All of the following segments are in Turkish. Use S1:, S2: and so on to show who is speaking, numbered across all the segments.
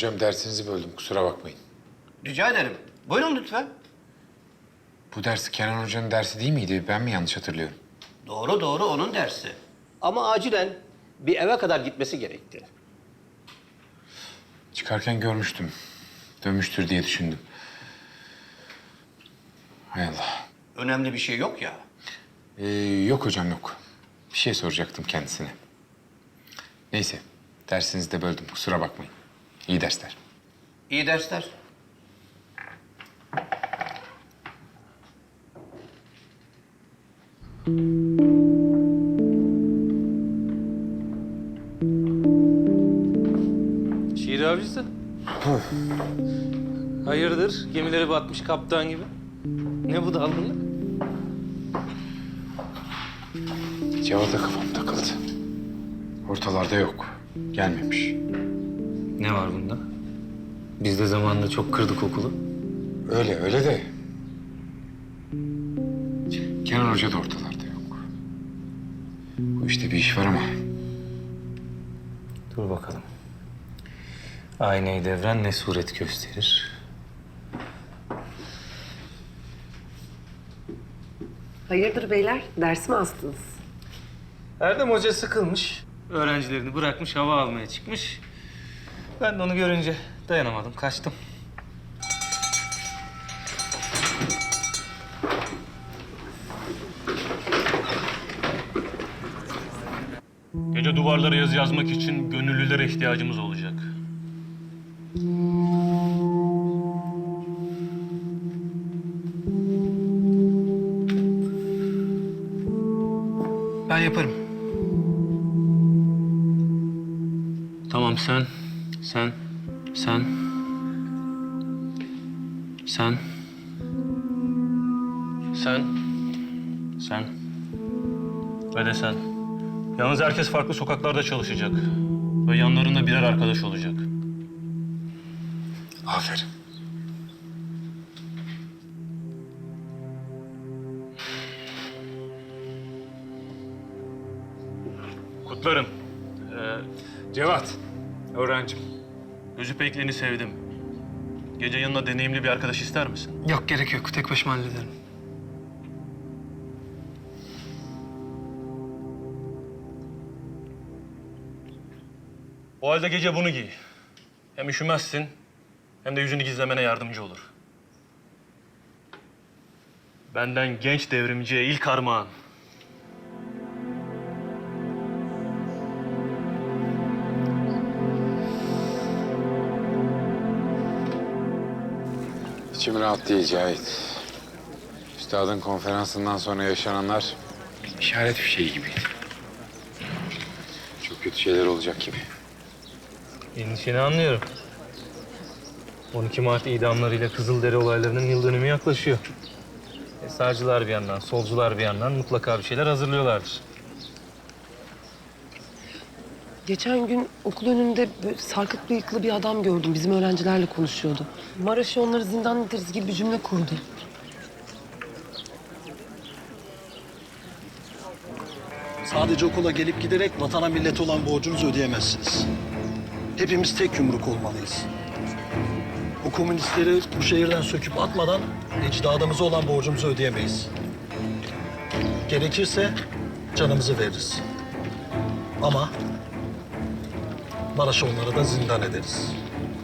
S1: Hocam dersinizi böldüm, kusura bakmayın.
S2: Rica ederim. Buyurun lütfen.
S1: Bu ders Kenan Hoca'nın dersi değil miydi? Ben mi yanlış hatırlıyorum?
S2: Doğru doğru onun dersi. Ama acilen bir eve kadar gitmesi gerekti.
S1: Çıkarken görmüştüm. Dönmüştür diye düşündüm. Hay Allah.
S2: Önemli bir şey yok ya.
S1: Yok hocam yok. Bir şey soracaktım kendisine. Neyse, dersinizi de böldüm, kusura bakmayın. İyi dersler.
S2: İyi dersler.
S3: Şiir avcısı. Hayırdır? Gemileri batmış kaptan gibi. Ne bu dalgınlık?
S1: Cevat'a kafam takıldı. Ortalarda yok, gelmemiş.
S3: Ne var bunda? Biz de zamanında çok kırdık okulu.
S1: Öyle de... Kenan Hoca da ortalarda yok. Bu işte bir iş var ama...
S3: Dur bakalım. Aynayı devren ne suret gösterir?
S4: Hayırdır beyler? Ders mi astınız?
S3: Erdem Hoca sıkılmış. Öğrencilerini bırakmış, hava almaya çıkmış. Ben de onu görünce dayanamadım, kaçtım.
S5: Gece duvarlara yazı yazmak için gönüllülere ihtiyacımız olacak.
S3: Ben yaparım. Tamam sen.
S5: Ve de sen. Yalnız herkes farklı sokaklarda çalışacak. Ve yanlarında birer arkadaş olacak.
S1: Aferin.
S5: Kutlarım.
S1: Cevat, öğrencim.
S5: Gözü pekliğini sevdim. Gece yanına deneyimli bir arkadaş ister misin?
S6: Yok, gerek yok. Tek başıma hallederim.
S5: O halde gece bunu giy. Hem üşümezsin, hem de yüzünü gizlemene yardımcı olur. Benden genç devrimciye ilk armağan.
S1: İçim rahat değil Cahit. Üstadın konferansından sonra yaşananlar işaret fişeği gibiydi. Çok kötü şeyler olacak gibi.
S3: Endişeni anlıyorum. 12 Mart idamlarıyla Kızılderi olaylarının yıl dönümü yaklaşıyor. Sağcılar bir yandan, solcular bir yandan mutlaka bir şeyler hazırlıyorlardır.
S4: Geçen gün okul önünde böyle sarkık bıyıklı bir adam gördüm. Bizim öğrencilerle konuşuyordu. Maraş'ı onları zindan ederiz gibi bir cümle kurdu.
S7: Sadece okula gelip giderek vatana millete olan borcunuzu ödeyemezsiniz. Hepimiz tek yumruk olmalıyız. O komünistleri bu şehirden söküp atmadan ecdadımıza olan borcumuzu ödeyemeyiz. Gerekirse canımızı veririz. Ama Maraş'ı onlara da zindan ederiz.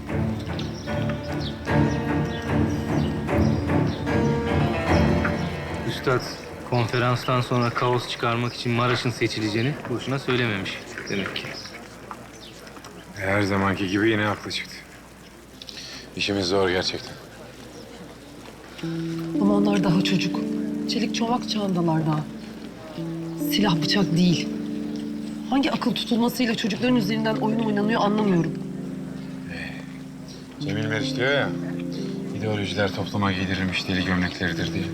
S3: Üstad konferanstan sonra kaos çıkarmak için Maraş'ın seçileceğini boşuna söylememiş demek ki.
S1: Her zamanki gibi yine haklı çıktı. İşimiz zor gerçekten.
S4: Ama onlar daha çocuk. Çelik çomak çağındalar daha. Silah bıçak değil. Hangi akıl tutulmasıyla çocukların üzerinden oyun oynanıyor anlamıyorum.
S1: Cemil Meriç diyor ya, ideolojiler topluma giydirilmiş deli gömlekleridir diye.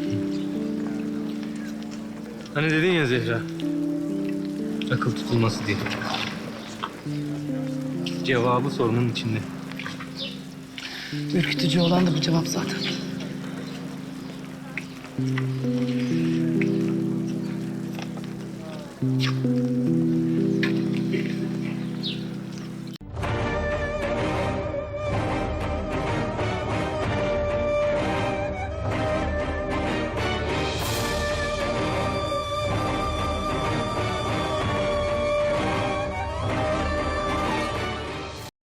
S3: Hani dedin ya Zehra, akıl tutulması diye. Cevabı sorunun içinde.
S4: Ürkütücü olan da bu cevap zaten.